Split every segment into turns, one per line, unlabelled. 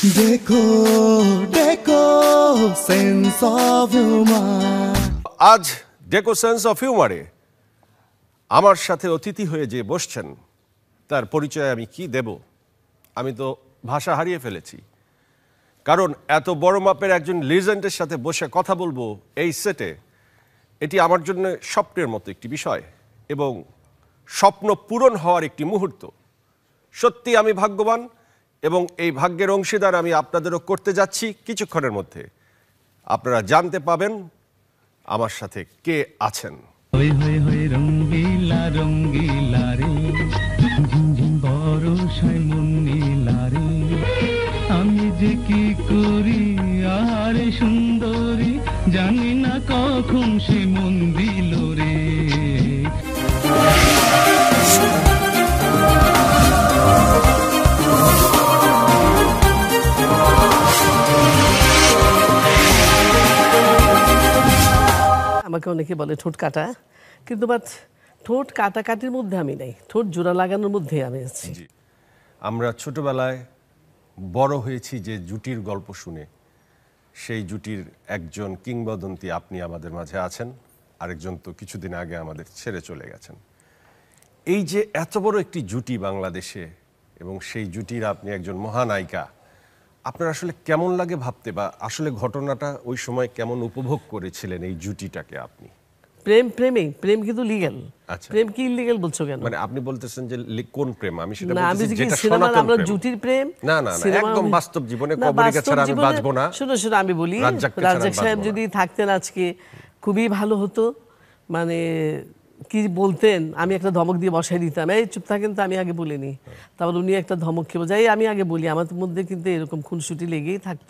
देखो देखो sense of humour
আজ ডেকো সেন্স অফ হিউমারে আমার সাথে অতিথি হয়ে যে বসছেন তার পরিচয় আমি কি দেব? আমি তো ভাষা হারিয়ে ফেলেছি, কারণ এত বড় মাপের একজন লিজেন্ডের সাথে বসে কথা বলবো এই সেটে, এটি আমার জন্য স্বপ্নের মতো একটি বিষয় এবং স্বপ্ন পূরণ হওয়ার একটি মুহূর্ত। সত্যি আমি ভাগ্যবান এবং এই ভাগ্যের অংশীদার আমি আপনাদেরও করতে যাচ্ছি কিছুক্ষণের মধ্যে। আপনারা জানতে পাবেন আমার সাথে কে আছেন।
রঙ্গিলা রঙ্গিলা রে ঝিমঝিম বরষায় মন নীলা রে, আমি যে কি করি আরে সুন্দরী, জানি না কখন সে মন দিল রে।
আমাকে অনেকে বলে ঠোঁট কাটা, কিন্তু বাট ঠোঁট কাটাকাটির মধ্যে আমি নেই, ঠোঁট জোড়া লাগানোর মধ্যে আমি আছি।
আমরা ছোটবেলায় বড় হয়েছি যে জুটির গল্প শুনে, সেই জুটির একজন কিংবদন্তি আপনি আমাদের মাঝে আছেন, আরেকজন তো কিছুদিন আগে আমাদের ছেড়ে চলে গেছেন। এই যে এত বড় একটি জুটি বাংলাদেশে এবং সেই জুটির আপনি একজন মহানায়িকা, আপনার আসলে কেমন লাগে ভাবতে, বা আসলে ঘটনাটা ওই সময় কেমন উপভোগ করেছিলেন এই জুটিটাকে আপনি?
প্রেম কিন্তু লিগ্যাল।
আচ্ছা,
প্রেম কি ইলিগ্যাল বলছো কেন?
মানে আপনি বলতেছেন যে কোন প্রেম? আমি সেটা
না, আমি
বলতেছি যেটা
সিনেমা
সনাতন
আমরা
প্রেম।
জুটির প্রেম
না না না, একদম বাস্তব জীবনে কবরীকা ছাড়া আমি বাঁচবো না।
শুনো আমি বলি,
রাজ্জাককে ছাড়া
রাজ্জাক সাহেব যদি থাকতেন আজকে খুবই ভালো হতো। মানে কি বলতেন, আমি একটা ধমক দিয়ে বসাই দিতাম, এই চুপ থাকেন, তো আমি আগে বলিনি। তারপর উনি একটা ধমক খেয়ে যাই, আমি আগে বলি, আমার মধ্যে কিন্তু এরকম খুনসুটি লেগেই থাকতো।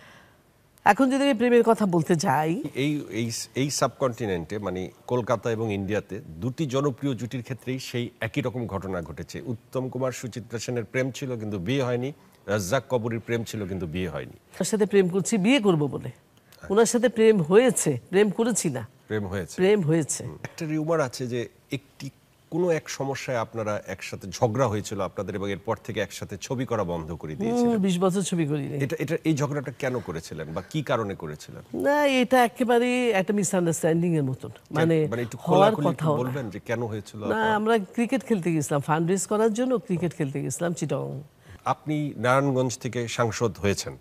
এখন যদি আমি প্রেমের কথা বলতে যাই,
এই সাবকন্টিনেন্টে মানে কলকাতা এবং ইন্ডিয়াতে দুটি জনপ্রিয় জুটির ক্ষেত্রেই সেই একই রকম ঘটনা ঘটেছে। উত্তম কুমার সুচিত্রা সেনের প্রেম ছিল কিন্তু বিয়ে হয়নি, রাজ্জাক কবরীর প্রেম ছিল কিন্তু বিয়ে হয়নি।
ওনার সাথে প্রেম করছি বিয়ে করব বলে, ওনার সাথে প্রেম হয়েছে, প্রেম করেছি না, প্রেম হয়েছে।
একটা রিউমার আছে যে কোনো এক সমস্যায় আপনারা একসাথে ঝগড়া হয়েছিল আপনাদের, এবং এরপর থেকে একসাথে ছবি করা বন্ধ করে দিয়েছিলেন।
20 বছর ছবি করিনি।
এটা এই ঝগড়াটা কেন করেছিলেন বা কি কারণে করেছিলেন?
না, এটা একেবারে একটা মিসআন্ডারস্ট্যান্ডিং এর মতন, মানে হওয়ার কথা
বলবেন যে কেন হয়েছিল?
না, আমরা ক্রিকেট খেলতে গেছিলাম, ফান্ড রেজ করার জন্য ক্রিকেট খেলতে গেছিলাম চিটং।
আপনি নারায়ণগঞ্জ থেকে সাংসদ হয়েছেন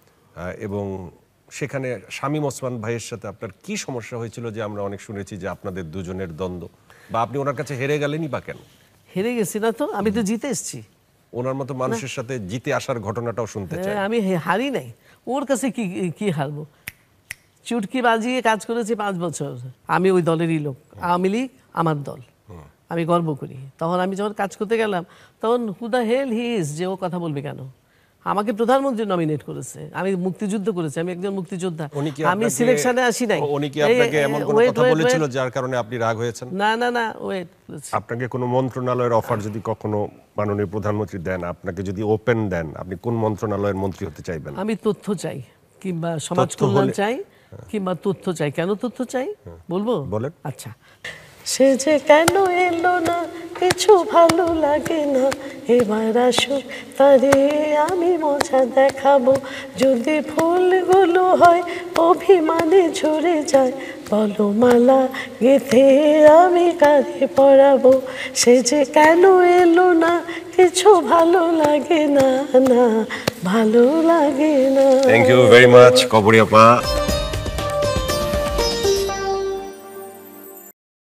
এবং সেখানে শামীম ওসমান ভাইয়ের সাথে আপনার কি সমস্যা হয়েছিল যে আমরা অনেক শুনেছি যে আপনাদের দুজনের দ্বন্দ্ব, বা আপনি ওনার কাছে হেরে গেলেনই বা কেন?
হেরে গেছি না তো, আমি তো জিতে এসেছি।
ওনার মতো মানুষের সাথে জিতে আসার ঘটনাটাও শুনতে চাই।
আমি হারি নাই, ওর কাছে কি হারবো? চুটকি বাজিয়ে কাজ করেছি 5 বছর। আমি ওই দলেরই লোক, আওয়ামী লীগ আমার দল, আমি গর্ব করি। তখন আমি যখন কাজ করতে গেলাম, তখন who the hell he is, যে ও কথা বলবে কেন? আমাকে প্রধানমন্ত্রী নমিনেট করেছে, আমি মুক্তিযুদ্ধ করেছি, আমি একজন মুক্তিযোদ্ধা, আমি সিলেকশনে আসি নাই।
উনি কি আপনাকে এমন কোনো কথা বলেছিল যার কারণে আপনি রাগ হয়েছেন?
না না না, ওয়েট,
আপনাকে কোনো মন্ত্রণালয়ের অফার যদি কখনো মাননীয় প্রধানমন্ত্রী দেন, আপনাকে যদি ওপেন দেন, আপনি কোন মন্ত্রণালয়ের মন্ত্রী হতে চাইবেন?
আমি তথ্য চাই, কিংবা সমাজ কল্যাণ চাই, কিংবা তথ্য চাই। কেন তথ্য চাই বলবো?
বলেন।
আচ্ছা, সে যে কেন এলো না, কিছু ভালো লাগে না, এবার আসুক তারে আমি মজা দেখাবো। যদি ফুলগুলো হয় অভিমানে ঝরে যায়, বলো মালা গেঁথে আমি কাঁধে পরাবো। সে যে কেন এলো না, কিছু ভালো লাগে না, না ভালো লাগে না।
Thank you very much Kabori আপা।